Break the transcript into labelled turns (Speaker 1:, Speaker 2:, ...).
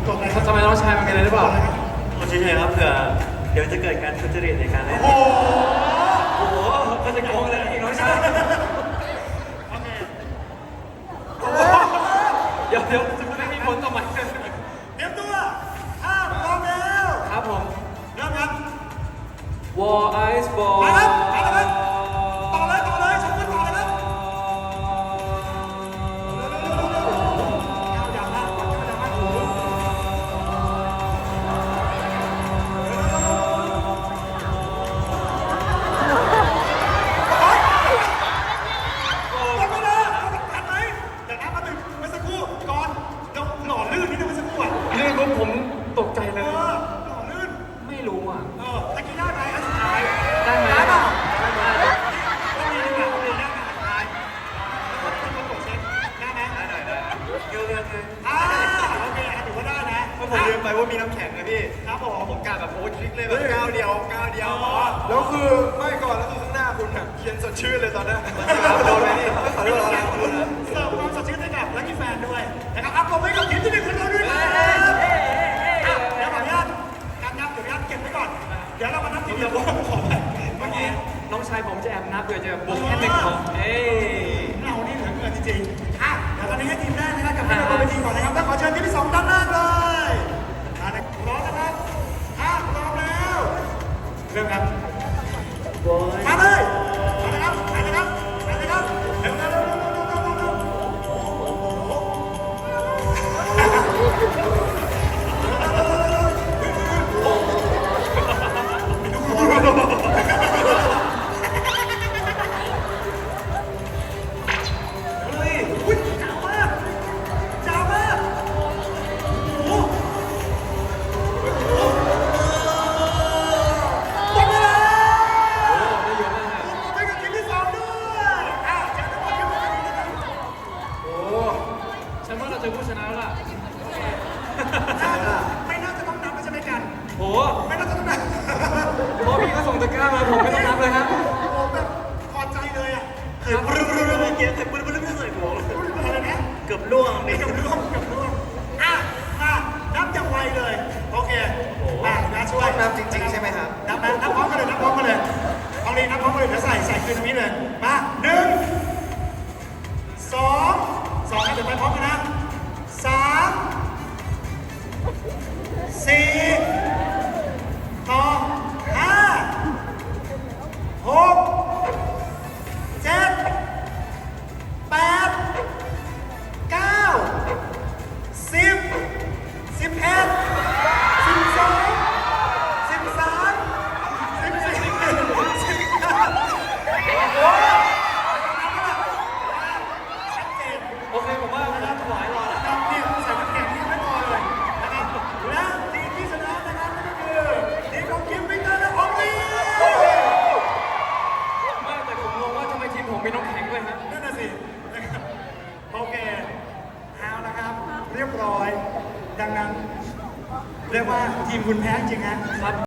Speaker 1: กดอะไร
Speaker 2: ทำไมน้องชายมันเป็นอะไรหรือเปล่า
Speaker 3: ผมเฉยๆครับเผื่อเดี๋ยวจะเกิดการทุจริตในการเล่น
Speaker 1: โอ้โห
Speaker 2: โอ้โหก็จะโกงเลยน้องชาย
Speaker 1: โอเค
Speaker 2: เดี๋ยวจะไม่มีผลต่อมัน
Speaker 1: เตรียมตัวถ้าพร้อมแล้ว
Speaker 2: ครับผม
Speaker 1: เริ่มครับ
Speaker 2: War Ice Ball
Speaker 1: มาครับมาแล้วครับต่อเลยชมกันต่อเลยครับก้าวอย่างมากก้าวอย่างมากโอ้โหหมดเวลาทันไหมเดี๋ยวนะมาถึงเมื่อสักครู่ก่อนเราหล่อลื่นนิดนึงเมื่อสักครู่อ่ะ
Speaker 2: ลื่นปุ๊บผมตกใจเลย
Speaker 1: หล่อลื่น
Speaker 2: ไม่รู้อ่ะ
Speaker 1: ตะกี้ได้ไหมอันสุดท้าย
Speaker 2: ได้ไหม
Speaker 1: ได้เปล่า
Speaker 2: ได้ไหม
Speaker 1: ต้องมีดีกว่าต้องมีได้ไหมอันสุดท้ายต้องเป็นคนกดเช็คได้ไหมได้
Speaker 3: เกี่ยวเรื่องเลย
Speaker 1: โอเคถือว่าได้นะ
Speaker 3: เพราะผมลืมไปว่ามีน้ำแข็งนะพี่
Speaker 1: ครับผม
Speaker 3: ผมกะแบบโอ้ยคลิกเลยแบบก้าวเดียวพอ
Speaker 4: แล้วคือไม่ก่อนแล้วคือข้างหน้าคุณแบบเขียนสดชื่นเลยตอนนั้น
Speaker 3: โดนไหมนี่ขอโทษครับ
Speaker 1: เสิร์ฟความสดชื่นให้กับลัคกี้แฟนด้วยนะครับอัพผมให้กับทีมที่หนึ่งของเราด้วยนะเดี๋ยวขออนุญาตการนับเดี๋ยวเก็บไว้ก่อนเดี๋ยวเรามานับทีเดียวว่าขอไป
Speaker 2: เมื่อกี้น้องชายผมจะแอบนับเผื่อจะบุกแค่หนึ่งของเอ้ย
Speaker 1: เรานี่เหลือเกินจริงๆเดี๋ยวตอนนี้ให้ทีมแรกนะครับกับทีมเราไปทีมก่อนนะครับต้องขอเชิญทีมที่สองด้านล่างเลยพร้อมนะครับพร้อมแล้วเริ่มครับมาเลยมาเลยครับมาเลยครับมาเลยครับเร็วอุ้ยจ้าวมากจ้าวมากโอ้โหหมดเวลา
Speaker 2: ได้เยอะมาก
Speaker 1: ไปกับทีมที่สองด้วยเชิญทุกคนขึ้นมาดีนะครับ
Speaker 2: โอ้ฉันว่าเราเจอผู้ชนะแล้วล่ะ
Speaker 1: ไม่น่าจะต้องนับไม่ใช่ไหมกัน
Speaker 2: โอ้
Speaker 1: ไม่น่าจะต้องนับ
Speaker 2: พอพี่ก็ส่งตะกร้ามาผมไม่ต้องนับเลยครับ
Speaker 1: โอ้โหแบบพอใจเลยอ่ะ
Speaker 3: เคยปลื้มเมื่อกี้เคยปลื้มไม่ใส่หัว
Speaker 1: อะไรนะ
Speaker 3: เกือบล่วงนี่
Speaker 1: เกับร่วมมานับอย่างไวเลย โอเคนะช่วย
Speaker 4: นับจริงๆใช่ไหมครับ
Speaker 1: นับพร้อมกันเลยนับพร้อมกันเลยเอาเลยนับพร้อมกันเลยเดี๋ยวใส่คืนตรงนี้เลย มาหนึ่งสองนะเดี๋ยวไปพร้อมกันนะสามสี่ต่อห้าหกเจ็ดแปดเก้าสิบ11 12 13 14 ชัดเจน
Speaker 2: โอเคผมว่าเราถวายรอแล้ว
Speaker 1: นะครับเนี่ยใส่น้ำแข็งนี่ไม่พอเลยนะครับและทีมที่ชนะนะครับนั่นก็คือทีมของคิมวิกเตอร์และออมลี่
Speaker 2: ไม่แต่ผมงงว่าทำไมทีมผมมีน้องแข็งด้วยฮะ
Speaker 1: นั่นน่ะสินะครับโอเคเอานะครับ เรียบร้อย ดังนั้น เรียกว่าทีมคุณแพ้จริงฮะ
Speaker 2: ครับ